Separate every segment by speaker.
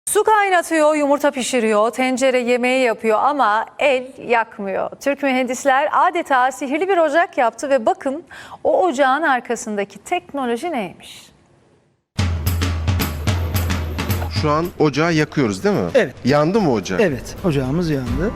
Speaker 1: Su kaynatıyor, yumurta pişiriyor, tencere yemeği yapıyor ama el yakmıyor. Türk mühendisler adeta sihirli bir ocak yaptı ve bakın o ocağın arkasındaki teknoloji neymiş?
Speaker 2: Şu an ocağı yakıyoruz değil mi?
Speaker 3: Evet.
Speaker 2: Yandı mı ocak?
Speaker 3: Evet, ocağımız yandı.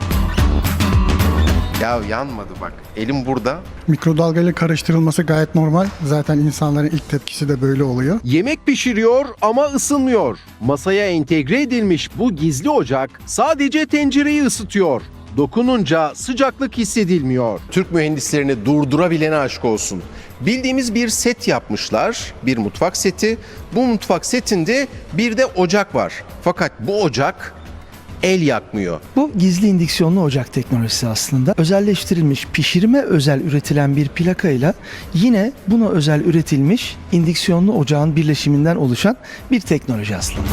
Speaker 2: Ya yanmadı bak. Elim burada.
Speaker 4: Mikrodalgayla karıştırılması gayet normal. Zaten insanların ilk tepkisi de böyle oluyor.
Speaker 5: Yemek pişiriyor ama ısınmıyor. Masaya entegre edilmiş bu gizli ocak sadece tencereyi ısıtıyor. Dokununca sıcaklık hissedilmiyor.
Speaker 2: Türk mühendislerini durdurabilene aşk olsun. Bildiğimiz bir set yapmışlar. Bir mutfak seti. Bu mutfak setinde bir de ocak var. Fakat bu ocak el yakmıyor.
Speaker 3: Bu gizli indüksiyonlu ocak teknolojisi aslında. Özelleştirilmiş, pişirime özel üretilen bir plakayla yine buna özel üretilmiş indüksiyonlu ocağın birleşiminden oluşan bir teknoloji aslında.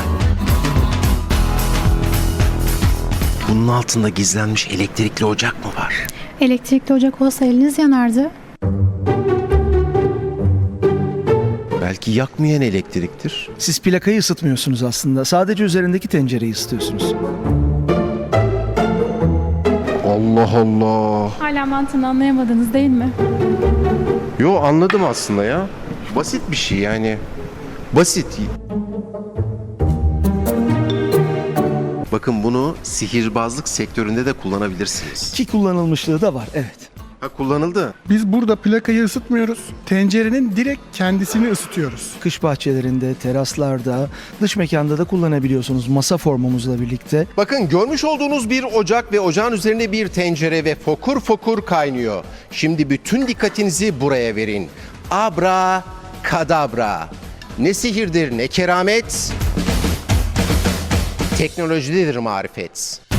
Speaker 2: Bunun altında gizlenmiş elektrikli ocak mı var?
Speaker 6: Elektrikli ocak olsa eliniz yanardı.
Speaker 2: Belki yakmayan elektriktir.
Speaker 3: Siz plakayı ısıtmıyorsunuz aslında. Sadece üzerindeki tencereyi ısıtıyorsunuz.
Speaker 2: Allah Allah.
Speaker 6: Hala mantığını anlayamadınız değil mi?
Speaker 2: Yo, anladım aslında ya. Basit bir şey yani. Basit. Bakın bunu sihirbazlık sektöründe de kullanabilirsiniz.
Speaker 3: Ki kullanılmışlığı da var, evet.
Speaker 2: Ha, kullanıldı.
Speaker 4: Biz burada plakayı ısıtmıyoruz. Tencerenin direkt kendisini ısıtıyoruz.
Speaker 3: Kış bahçelerinde, teraslarda, dış mekanda da kullanabiliyorsunuz masa formumuzla birlikte.
Speaker 2: Bakın, görmüş olduğunuz bir ocak ve ocağın üzerine bir tencere ve fokur fokur kaynıyor. Şimdi bütün dikkatinizi buraya verin. Abra kadabra. Ne sihirdir ne keramet. Teknolojidir marifet.